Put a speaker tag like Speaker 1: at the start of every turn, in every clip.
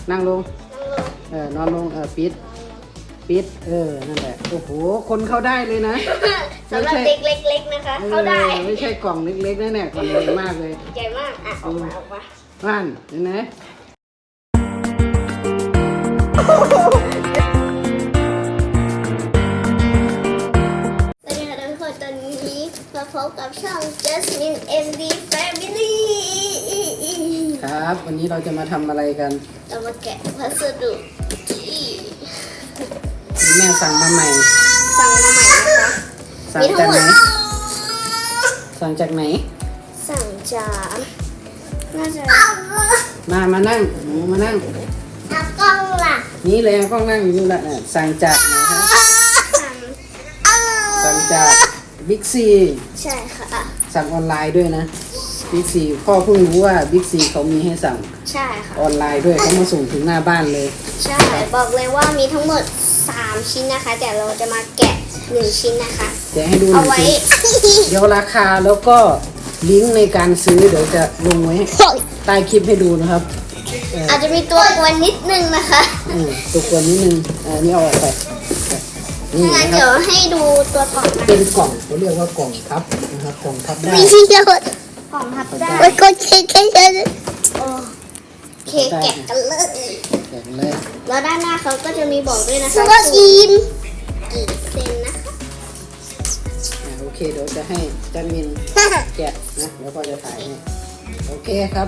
Speaker 1: นั่งลงนอนลงปิดนั่นแหละโอ้โหคนเข้าได้เลยนะ
Speaker 2: สำหรับเด็กเล็กๆนะคะเข้าได้
Speaker 1: ไม่ใช่กล่องเล็กๆนะเนี่ยกล่องใหญ่มากเลย
Speaker 2: ใหญ่มากอ่ะออกมา
Speaker 1: บ้านเห็นไหม
Speaker 2: สวัสดีค่ะทุกคนตอนนี้มาพบกับช่อง Jasmine MD Family
Speaker 1: ครับวันนี้เราจะมาทำอะไรกัน
Speaker 2: เรามาแกะพัสดุที่
Speaker 1: แม่สั่งมาใหม่
Speaker 2: นะคะ
Speaker 1: สั่งจากไหนสั่งจากไหน
Speaker 2: สั่งจากน่าจะ
Speaker 1: มานั่งหนูมานั่ง
Speaker 2: กล้องล่ะ
Speaker 1: นี่เลยกล้องนั่งอยู่นี่แหละสั่งจากไหนครับสั่งจากบิ๊กซี
Speaker 2: ใช่ค่ะ
Speaker 1: สั่งออนไลน์ด้วยนะบิ๊กซีพ่อเพิ่งรู้ว่าบิ๊กซีเขามีให้สั่ง
Speaker 2: ใช่ค่ะ
Speaker 1: ออนไลน์ด้วยเขามาส่งถึงหน้าบ้านเลย
Speaker 2: ใช่บอกเลยว่ามีทั้งหมด3ชิ้นนะคะแต่เราจะมาแกะ1ชิ้นนะคะ
Speaker 1: แกะให้ดูหนึ่งชิ้นเดี๋ยวราคาแล้วก็ลิงก์ในการซื้อเดี๋ยวจะลงไว้ใต้คลิปให้ดูนะครับ
Speaker 2: อาจจะมีตัวกวนนิดนึงนะคะ
Speaker 1: ตัวกวนนิดนึงนี่เอาออกไป
Speaker 2: นี่นะเดี๋ยวให้ดูตัวกล่อง
Speaker 1: เป็นกล่องเขาเรียกว่ากล่องพับนะครับกล่องพับได้
Speaker 2: กล่องพับได้แล้วก็เค้กแกะกันเลยแกะเลยแล้วด้านหน้าเขาก็จะมีบอกด้วยนะคะว่ากี่เซนนะคะ
Speaker 1: โอเคเดี๋ยวจะให้จันมินแกะนะแล้วก็จะถ่ายให้โอเคครับ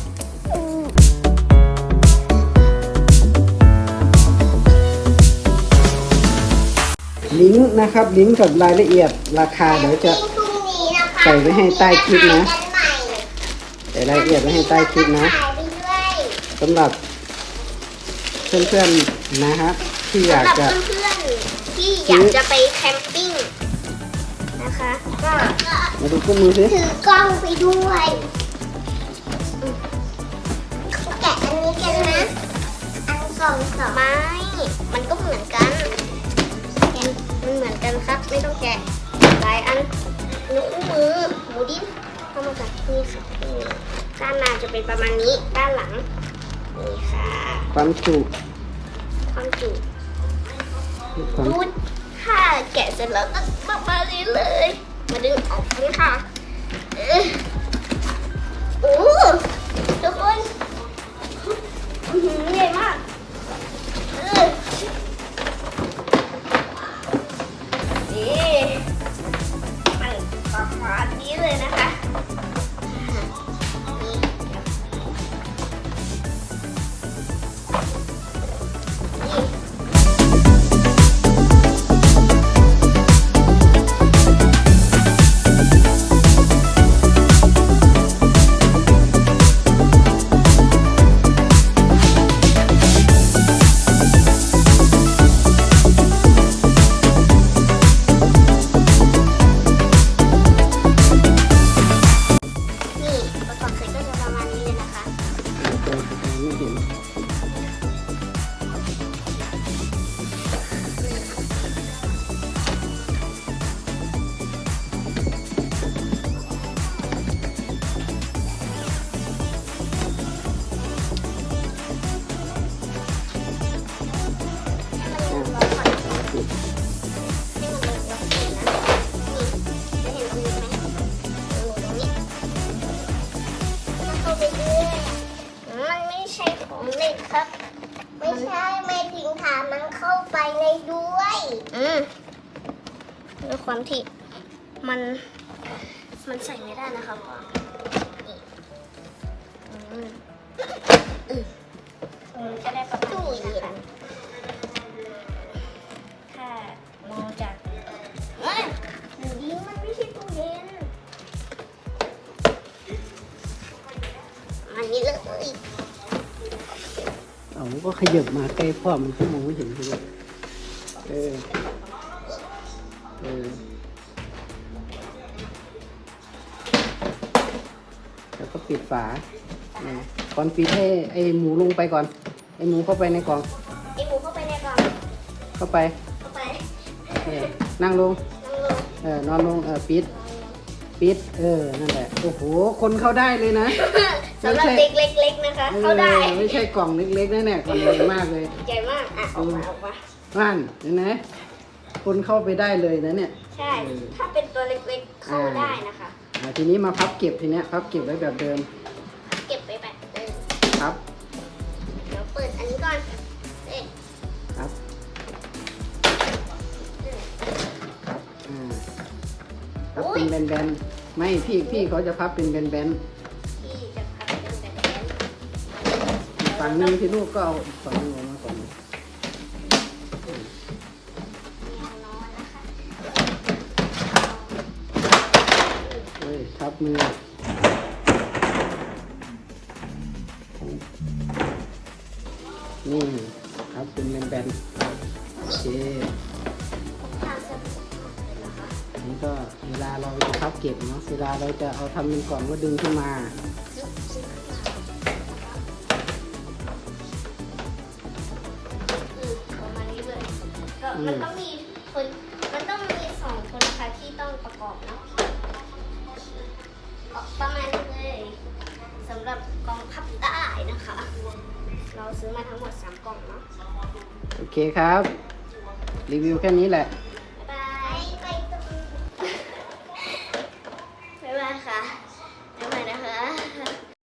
Speaker 1: ลิงก์นะครับลิงก์กับรายละเอียดราคาเดี๋ยวจะใส่ไว้ให้ใต้คลิปนะใส่รายละเอียดไว้ให้ใต้คลิปนะสำหรับเพื่อนๆนะครับที่อยากจะ
Speaker 2: ไปแคมปิ้งนะคะก็
Speaker 1: มาดูคู่มือสิ
Speaker 2: ถือกล้องไปด้วยแกะอันนี้กันนะอันกล่องสองไม้มันก็เหมือนกันมันเหมือนกันครับไม่ต้องแกะหลายอันนิ้วมือหมูดิ้นเข้ามาจากนี่ค่ะด้านหน้าจะเป็นประมาณนี้ด้านหลังนี่ค่ะ
Speaker 1: ความจุ
Speaker 2: ดูถ้าแกะเสร็จแล้วก็ประมาณนี้เลยมาดึงออกกันค่ะโอ้ทุกคนใหญ่มากประมาณนี้เลยนะคะมันไม่ใช่ของเล่นครับไม่ใช่ไม่ถึงถามมันเข้าไปในด้วยด้วยความที่มันใส่ไม่ได้นะครับก็ได้ประมาณนี้นะคะถ้ามองจากหนูดิ้งมันไม่ใช่ตู้เย็นอันนี้เลย
Speaker 1: ก็ขยับมาใกล้พ่อมันก็มองไม่เห็นเลยแล้วก็ปิดฝาก่อนปิดให้ไอหมูลงไปก่อนไอหมูเข้าไปในกล่องเข้าไปนั่งลงนอนลงปิดนั่นแหละโอ้โหคนเข้าได้เลยนะ
Speaker 2: สำหรับเด็กเล็กๆนะคะ เข้าได้
Speaker 1: ไม่ใช่กล่องเล็กๆนะเนี่ยกล่องใหญ่มากเลย
Speaker 2: ใหญ่มากอ่ะออกมา
Speaker 1: บ้านเห็นไหมคนเข้าไปได้เลยนะเนี่ย
Speaker 2: ใช่ ถ้าเป็นตัวเล็กๆเข้าได้นะคะ
Speaker 1: ทีนี้มาพับเก็บทีเนี้ยพับเก็บไว้แบบเดิม
Speaker 2: เก็บไปแบบเดิม
Speaker 1: ครับ
Speaker 2: เดี๋ยวเปิดอันนี้ก่อนเอ๊ะ
Speaker 1: ครับพับเป็นแบนๆไม่พี่เขาจะพับเป็นแบน
Speaker 2: ที่จะพับเป็นแบบนี้
Speaker 1: ๆอีกฝั่งหนึงที่ลูกก็เอาอีกฝั่งหนึงออกมาก่อน
Speaker 2: มีอันนอนนะคะ
Speaker 1: เฮ้ยทับมือนี่ครับเป็นแบนๆโอเค
Speaker 2: ทางสะดวกเลยนะคะ
Speaker 1: นี่ก็เวลาเราจะพับเก็บเนาะเวลาเราจะเอาทำเป็นกล่องก็ดึงขึ้นมา
Speaker 2: ประมาณนี้เลยก็มันต้องมีคนมันต้องมีสองคนนะคะที่ต้องประกอบเนาะประมาณนี้เลยสำหรับกล่องพับได้นะคะ เราซื้อมาทั้งหมด3กล่องเนาะ
Speaker 1: โอเคครับ รีวิวแค่นี้แหละ